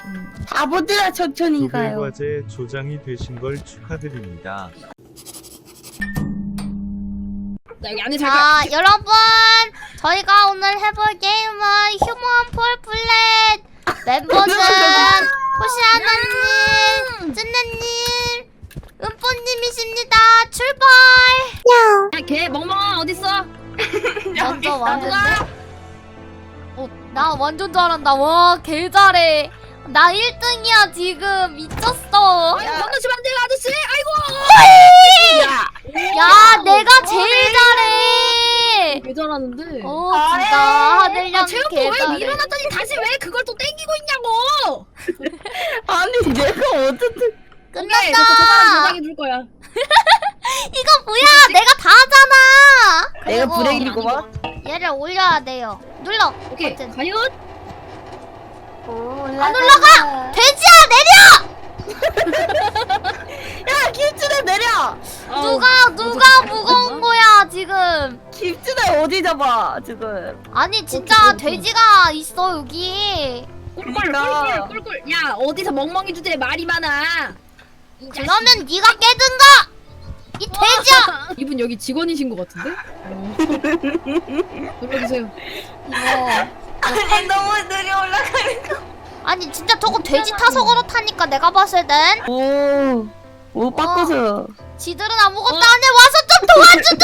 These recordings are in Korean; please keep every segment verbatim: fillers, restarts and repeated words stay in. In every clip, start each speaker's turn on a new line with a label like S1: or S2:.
S1: 바보들아 천천히 가요.
S2: 과제 조장이 되신 걸 축하드립니다.
S3: 나 여기 안에 잘
S4: 자, 여러분, 저희가 오늘 해볼 게임은 휴먼 폴플랫. 멤버는 호시아나님, 쯔네님, 은뽀님이십니다. 출발!
S3: 야, 걔 멍멍아 어딨어?
S4: 먼저 왔는데? 어, 나 완전 잘한다. 와, 개 잘해. 나 일 등이야 지금. 미쳤어.
S3: 아이고 건너시면 안 돼요 아저씨. 아이고.
S4: 야, 야 내가 제일 잘해.
S3: 개 잘하는데.
S4: 어, 진짜 하늘양
S3: 아, 체육부
S4: 개
S3: 왜
S4: 잘해.
S3: 밀어놨더니 다시 왜 그걸 또 땡기고 있냐고.
S1: 아니 내가 어쨌든
S3: 오케이, 저 저사람
S4: 끝났다.
S3: 저장해 줄 거야.
S4: 이거 뭐야? 내가 다 하잖아.
S1: 내가
S4: 그리고
S1: 브레이크구만.
S4: 얘를 올려야 돼요. 눌러.
S3: 오케이,
S4: 버튼.
S3: 과연?
S4: 안 올라가. 돼지야 내려.
S1: 야 김치대 내려.
S4: 누가 누가 무거운 거야 지금?
S1: 김치대 어디 잡아 지금?
S4: 아니 진짜 돼지가 있어 여기.
S3: 꿀꿀
S1: 그러니까.
S3: 꿀꿀 꿀꿀. 야 어디서 멍멍이 주제에 말이 많아. 이 자식.
S4: 그러면 네가 깨든가. 이 돼지야.
S3: 이분 여기 직원이신 것 같은데? 어. 눌러주세요.
S4: 이거.
S1: 아니 너무 느려 올라가는 거.
S4: 아니 진짜 저거 돼지 타서 그렇다니까 내가 봤을 땐.
S1: 오, 오 바꿔서.
S4: 지들은 아무것도 안 해. 와서 좀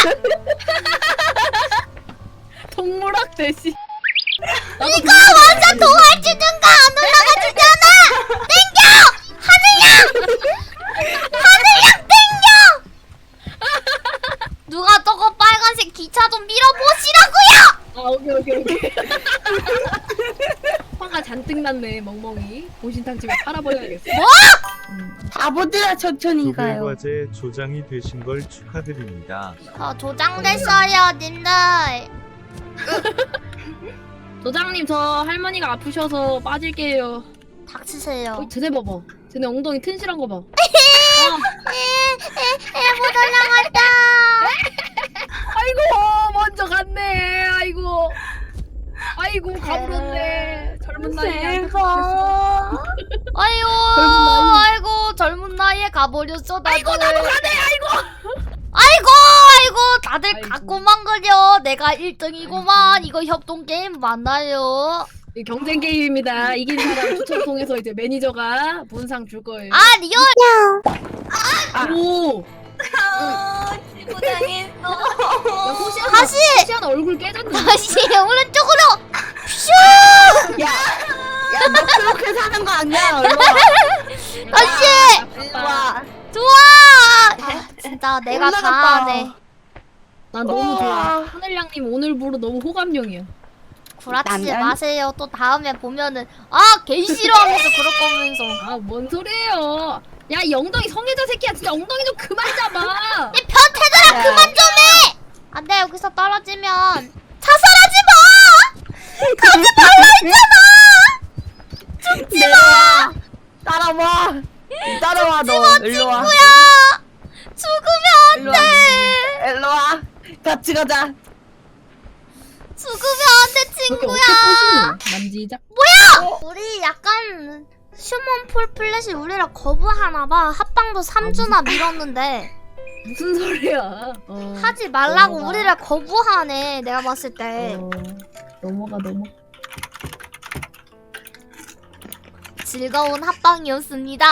S4: 도와주든가.
S3: 동물학 대시.
S4: 이거 와서 도와주든가. 안 올라가 주잖아. 땡겨. 하늘양. 하늘양 땡겨. 누가 저거 빨간색 기차 좀 밀어보시라고요.
S3: 아 오케이 오케이 오케이. 화가 잔뜩 났네 멍멍이. 보신탕 집에 팔아버려야겠어.
S4: 뭐?
S1: 바보들아 천천히 가요.
S2: 과제 조장이 되신 걸 축하드립니다.
S4: 저 조장됐어요 님들.
S3: 도장님 저 할머니가 아프셔서 빠질게요.
S4: 닥치세요.
S3: 어, 쟤네 봐봐. 쟤네 엉덩이 튼실한 거 봐.
S4: 못 올라갔다.
S3: 아이고 먼저 갔네. 아이고. 아이고 가물었네. 젊은 나이에.
S1: 대박.
S4: 아이고
S3: 젊은 나이.
S4: 아이고 젊은 나이에 가버렸어 다들.
S3: 아이고 나도 가네. 아이고.
S4: 아이고 아이고 다들
S3: 아이고.
S4: 갖고만 그려. 내가 일 등이고만. 이거 협동 게임 맞나요?
S3: 이 경쟁 게임입니다. 이긴 사람 추천 통해서 이제 매니저가 본상 줄 거예요.
S4: 아 리얼.
S3: 오.
S1: 고생했어.
S3: 야, 호시아나,
S4: 다시!
S3: 호시아나 얼굴 깨졌네.
S4: 다시 오른쪽으로. 슈.
S1: 야, 야, 너 그렇게 사는 거 아니야? 얼마?
S4: 다시.
S1: 와,
S4: 좋아. 아, 진짜 내가 다
S1: 올라갔다.
S4: 하네.
S3: 난 너무 좋아.
S1: 우와.
S3: 하늘양님 오늘부로 너무 호감형이야.
S4: 구라치지
S1: 남편?
S4: 마세요. 또 다음에 보면은 아 개 싫어하면서 그럴 거면서.
S3: 아 뭔 소리예요? 야 이 엉덩이 성애자 새끼야 진짜 엉덩이 좀 그만 잡아.
S4: 이 변태들아
S1: 야.
S4: 그만 좀 해! 안돼 여기서 떨어지면 자살하지 마! 가지 말라 했잖아! 죽지 마!
S1: 따라와. 따라와 너. 일로 와.
S4: 친구야! 죽으면
S1: 일로 와.
S4: 안돼!
S1: 일로 와. 같이 가자.
S4: 죽으면 안돼
S3: 저게
S4: 친구야!
S3: 어떻게 보시노? 만지작.
S4: 뭐야! 우리 약간 휴먼 폴플랫이 우리를 거부하나봐. 합방도 삼 주나 밀었는데
S3: 무슨 소리야? 어,
S4: 하지 말라고
S3: 넘어가.
S4: 우리를 거부하네 내가 봤을 때.
S3: 어, 넘어가 넘어.
S4: 즐거운 합방이었습니다.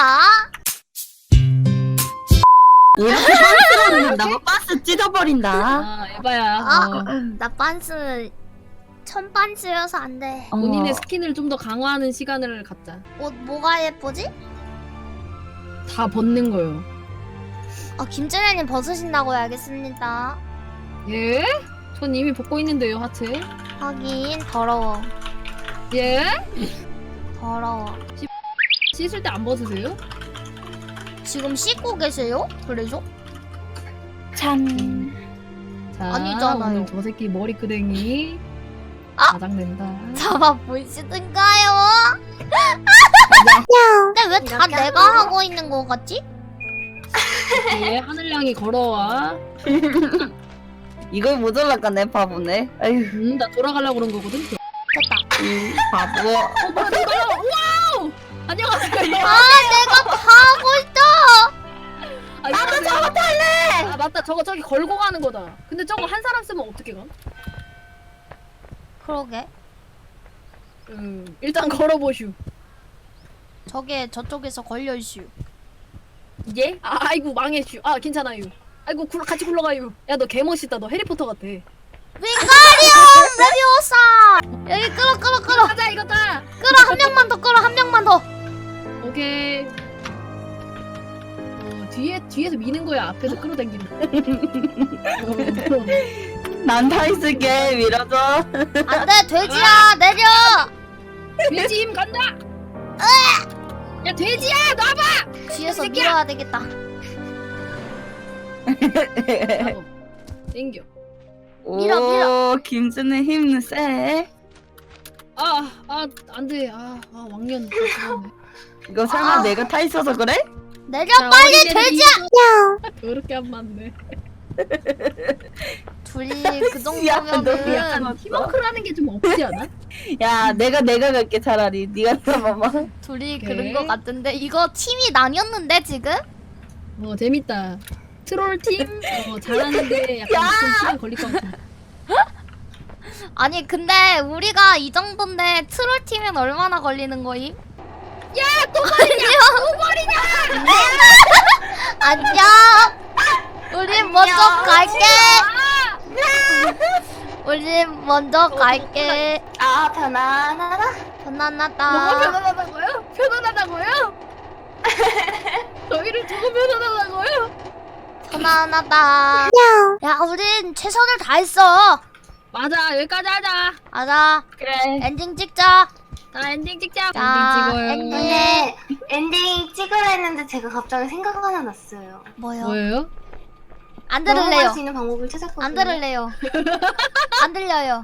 S1: 이렇게 빤스로 나뭐 빤스 찢어버린다.
S3: 아 에바야.
S4: 아,
S3: 어.
S4: 나 빤스 천빤스여서 안 돼.
S3: 본인의
S1: 어.
S3: 스킨을 좀 더 강화하는 시간을 갖자.
S4: 옷 뭐가 예쁘지?
S3: 다 벗는 거요.
S4: 아 김준혜님 벗으신다고요. 알겠습니다.
S3: 예? 전 이미 벗고 있는데요 하체.
S4: 하긴 더러워.
S3: 예?
S4: 더러워.
S3: 씻을 때 안 벗으세요?
S4: 지금 씻고 계세요? 그래죠?
S1: 참.
S3: 자,
S4: 아니잖아요.
S3: 오늘 저 새끼 머리끄댕이
S4: 아!
S3: 가장된다.
S4: 잡아 보시든가요. 근데 왜 다
S1: 이렇게
S4: 내가
S1: 하고.
S4: 하고 있는 거 같지?
S3: 예, 하늘양이 걸어와.
S1: 이걸 못 올라가네 바보네. 아유,
S3: 음, 나 돌아가려고 그런 거거든.
S4: 됐다.
S1: 이 바보.
S3: 어, 뭐야, 돌아가! 와우! 안녕하세요.
S4: 아 내가 다 하고 있어.
S3: 나도 저거 탈래. 아 맞다. 저거 저기 걸고 가는 거다. 근데 저거 한 사람 쓰면 어떻게 가?
S4: 그러게.
S3: 음 일단 걸어보슈.
S4: 저게 저쪽에서 걸려있슈.
S3: 예? 아, 아이고 망했슈. 아 괜찮아요. 아이고 굴, 같이 굴러가요. 야 너 개멋있다. 너 해리포터 같아.
S4: 윙가리움 레비오사. 여기 끌어 끌어 끌어.
S3: 가자 이거다.
S4: 끌어 한 명만 더 끌어 한 명만 더.
S3: 오케이. 어 뒤에 뒤에서 미는 거야. 앞에서 끌어당기는 거.
S1: 난 다 있을게. 밀어줘.
S4: 안돼 돼지야 내려.
S3: 돼지 힘 간다. 야 돼지야 놔봐.
S4: 뒤에서
S3: 새끼야.
S4: 밀어야 되겠다.
S3: 나도. 땡겨.
S4: 밀어,
S1: 오,
S4: 밀어.
S1: 김준의 힘은 세.
S3: 아, 아, 안 돼. 아, 아 왕년.
S1: 이거 설마
S4: 아.
S1: 내가 타 있어서 그래?
S4: 내려 빨리 돼지야.
S3: 그렇게 안 맞네.
S4: 둘이 그
S1: 야, 너
S4: 정도면은
S1: 약간
S3: 팀워크라는 게 좀 없지 않아?
S1: 야, 내가 내가 갈게 차라리. 네가 타봐봐.
S4: 둘이
S3: 오케이.
S4: 그런 거 같은데 이거 팀이 나뉘었는데 지금?
S3: 어, 재밌다. 트롤 팀, 어, 잘하는데 약간 좀 시간 걸릴 것 같아.
S4: 아니 근데 우리가 이 정도인데 트롤 팀엔 얼마나 걸리는 거임?
S3: 야, 또 버리냐? 또 버리냐?
S4: 안녕. 우린 먼저 갈게. 우린 먼저 갈게.
S5: 아 편안하다.
S3: 뭐가
S4: 편안하다.
S3: 편안하다고요? 편안하다고요? 저희를 두고 편안하다고요?
S4: 편안하다. 야 우린 최선을 다했어.
S3: 맞아, 여기까지 하자.
S4: 맞아.
S1: 그래.
S4: 엔딩 찍자.
S3: 자, 엔딩 찍자.
S4: 자,
S3: 엔딩 찍어요.
S4: 엔딩.
S5: 근데 엔딩 찍으려 했는데 제가 갑자기 생각 하나 났어요.
S4: 뭐요?
S3: 뭐예요?
S4: 안
S5: 넘어갈
S4: 들을래요.
S5: 수 있는 방법을 찾았거든요.
S4: 안 들을래요. 안 들려요.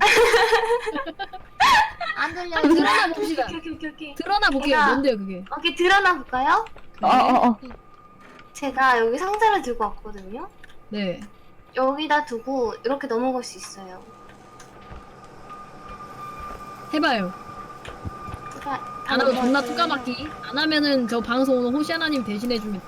S4: 안 들려요.
S3: 드러나 봅시다.
S5: 오케이 오케이 오케이 오케이.
S3: 드러나 볼게요.
S5: 제가-
S3: 뭔데요, 그게?
S5: 오케이 드러나 볼까요?
S1: 어, 어, 어.
S5: 제가 여기 상자를 들고 왔거든요.
S3: 네.
S5: 여기다 두고 이렇게 넘어갈 수 있어요.
S3: 해봐요.
S5: 제가
S3: 안 하면 존나 뚜까맣기. 안 하면은 저 방송 오늘 호시아나님 대신해줍니다.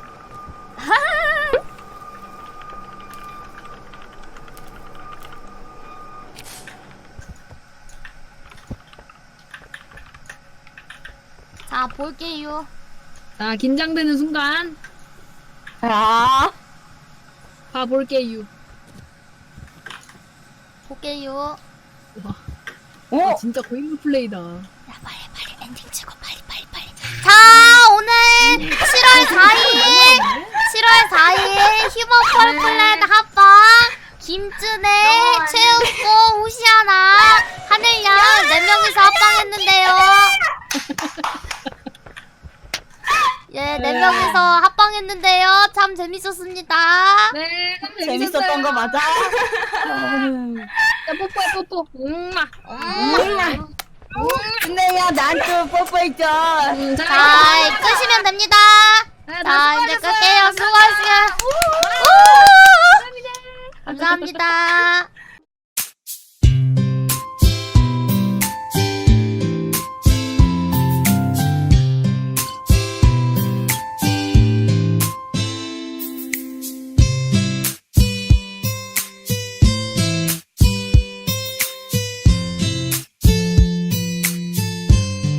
S4: 자 볼게요.
S3: 자, 긴장되는 순간
S1: 아,
S3: 봐볼게요.
S4: 볼게요.
S3: 와,
S1: 오,
S3: 아, 진짜 고인물 플레이다.
S4: 야 빨리 빨리 엔딩 찍어 빨리 빨리 빨리. 자 오늘 칠월 사일 칠월 사일 휴먼 펄플랜 합방 김준혜, 최욱고, 호시아나, 하늘양 네 명이서 합방했는데요. 예, 네 명이서 합방했는데요. 참 재밌었습니다.
S3: 네, 참
S1: 재밌었던 거 맞아?
S3: 야, 뽀뽀해, 뽀뽀. 음마.
S4: 음.
S1: 근데 야, 난또 뽀뽀했죠.
S3: 음, 자,
S4: 자, 끄시면 됩니다.
S3: 자,
S4: 자, 이제 끌게요. 수고하셨어요.
S3: 감사합니다.
S4: 감사합니다.